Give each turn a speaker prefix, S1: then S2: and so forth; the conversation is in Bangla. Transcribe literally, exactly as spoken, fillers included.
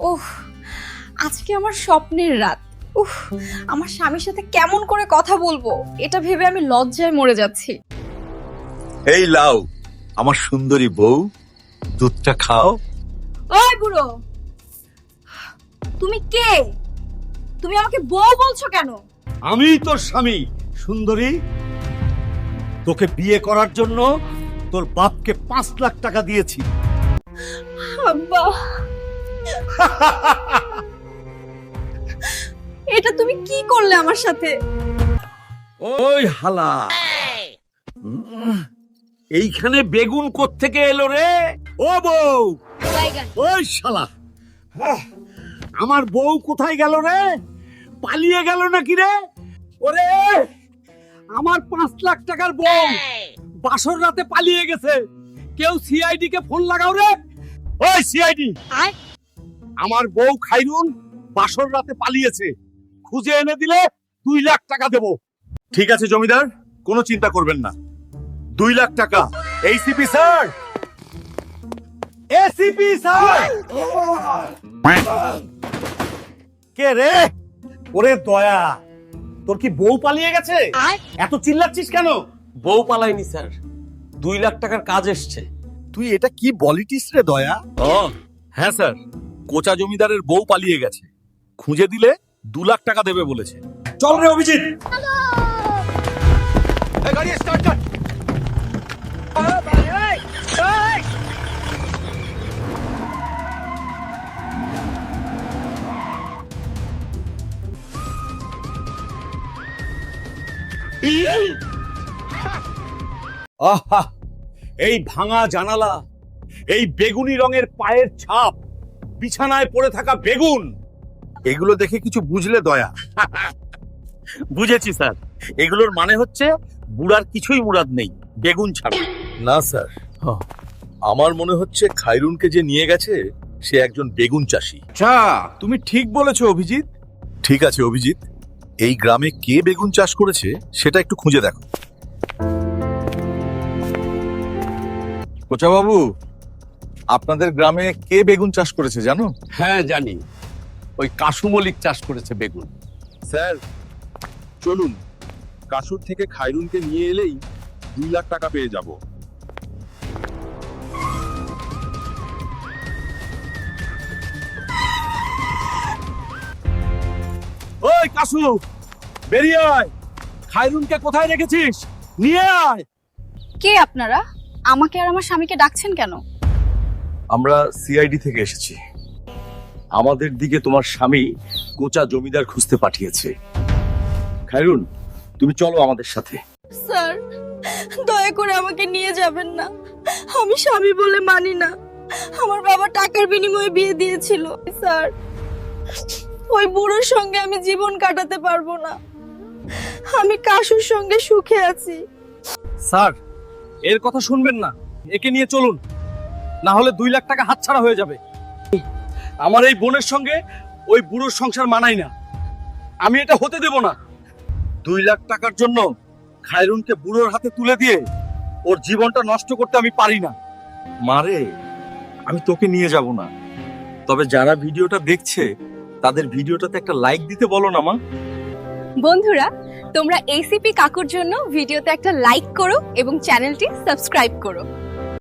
S1: উফ, আজকে আমার স্বপ্নের রাত। উফ, আমার স্বামীর সাথে কেমন করে কথা বলবো এটা ভেবে আমি লজ্জায় মরে যাচ্ছি।
S2: এই লাও আমার সুন্দরী বউ, দুধটা খাও।
S1: ওই বুড়ো, তুমি কে? তুমি আমাকে বউ বলছো কেন?
S3: আমি তোর স্বামী সুন্দরী। তোকে বিয়ে করার জন্য তোর বাপকে পাঁচ লাখ টাকা দিয়েছি।
S1: আব্বা, এটা তুমি কি করলে আমার সাথে?
S3: ওই হালা, এইখানে বেগুন কোত্থেকে এলো রে? ও বউ, ওই শালা, আহ, আমার বউ কোথায় গেল রে? পালিয়ে গেল নাকি রে? ওরে, আমার পাঁচ লাখ টাকার বউ বাসর রাতে পালিয়ে গেছে। কেউ সিআইডি কে ফোন লাগাও রে। ওই সিআইডি, আমার বউ খাইরুন বাসর রাতে পালিয়েছে, খুঁজে এনে দিলে দুই লাখ টাকা দেবো।
S2: ঠিক আছে জমিদার, কোনো চিন্তা করবেন না। দুই লাখ টাকা।
S3: ACP sir, ACP sir. কে রে? ওরে দয়া, তোর কি বউ পালিয়ে গেছে? এত চিল্লাচ্ছিস কেন?
S4: বউ পালাইনি স্যার, দুই লাখ টাকার কাজ এসছে।
S2: তুই এটা কি বলিটিস রে দয়া? ও হ্যাঁ স্যার, কোচা জমিদারের বউ পালিয়ে গেছে, খুঁজে দিলে দু লাখ টাকা দেবে বলেছে।
S3: চল রে অভিজিৎ।
S2: এই গাড়ি স্টার্ট কর।
S3: আহা, এই ভাঙা জানালা, এই বেগুনি রঙের পায়ের ছাপ, বিছানায় পড়ে থাকা বেগুন,
S2: এগুলো দেখে কিছু বুঝলে দয়া? বুঝেছি স্যার, এগুলোর মানে হচ্ছে বুড়ার কিছুই মুরাদ নেই, বেগুন ছাড়া। না স্যার, আমার মনে হচ্ছে খাইরুনকে যে নিয়ে গেছে সে একজন বেগুন চাষি।
S5: আচ্ছা, তুমি ঠিক বলেছো অভিজিৎ।
S2: ঠিক আছে অভিজিৎ, এই গ্রামে কে বেগুন চাষ করেছে সেটা একটু খুঁজে দেখো। কোচা বাবু, আপনাদের গ্রামে কে বেগুন চাষ করেছে জানো?
S4: হ্যাঁ জানি, ওই কাশু মল্লিক চাষ করেছে বেগুন।
S5: স্যার চলুন, কাসুর থেকে খাইরুনকে নিয়ে এলেই দুই লাখ টাকা পেয়ে যাব।
S3: ওই কাসু, বেরিয়ে আয়। খাইরুনকে কোথায় রেখেছিস? নিয়ে আয়।
S1: কে আপনারা? আমাকে আর আমার স্বামীকে ডাকছেন কেন?
S2: আমরা সিআইডি থেকে এসেছি। আমাদের দিকে তোমার স্বামী কোচা জমিদার খুঁজতে পাঠিয়েছে। খাইরুন, তুমি চলো আমাদের সাথে।
S1: স্যার, দয়া করে আমাকে নিয়ে যাবেন না। আমি স্বামী বলে মানি না। আমার বাবা টাকার বিনিময়ে বিয়ে দিয়েছিল। স্যার, ওই বুড়োর সঙ্গে আমি জীবন কাটাতে পারবো না। আমি কাশুর সঙ্গে সুখে আছি।
S4: স্যার, এর কথা শুনবেন না, একে নিয়ে চলুন, না হলে দুই লাখ টাকা হাতছাড়া হয়ে যাবে।
S3: আমার এই বোনের সঙ্গে ওই বুড়োর সংসার মানাই না, আমি এটা হতে দেব না। দুই লাখ টাকার জন্য খাইরুনকে বুড়োর হাতে তুলে দিয়ে ওর জীবনটা নষ্ট করতে আমি পারি না।
S2: মারে, আমি তোকে নিয়ে যাব না, তবে যারা ভিডিওটা দেখছে তাদের ভিডিওটাতে একটা লাইক দিতে বলো না মা।
S1: বন্ধুরা, তোমরা এসিপি কাকুর জন্য ভিডিওতে একটা লাইক করো এবং চ্যানেলটি সাবস্ক্রাইব করো।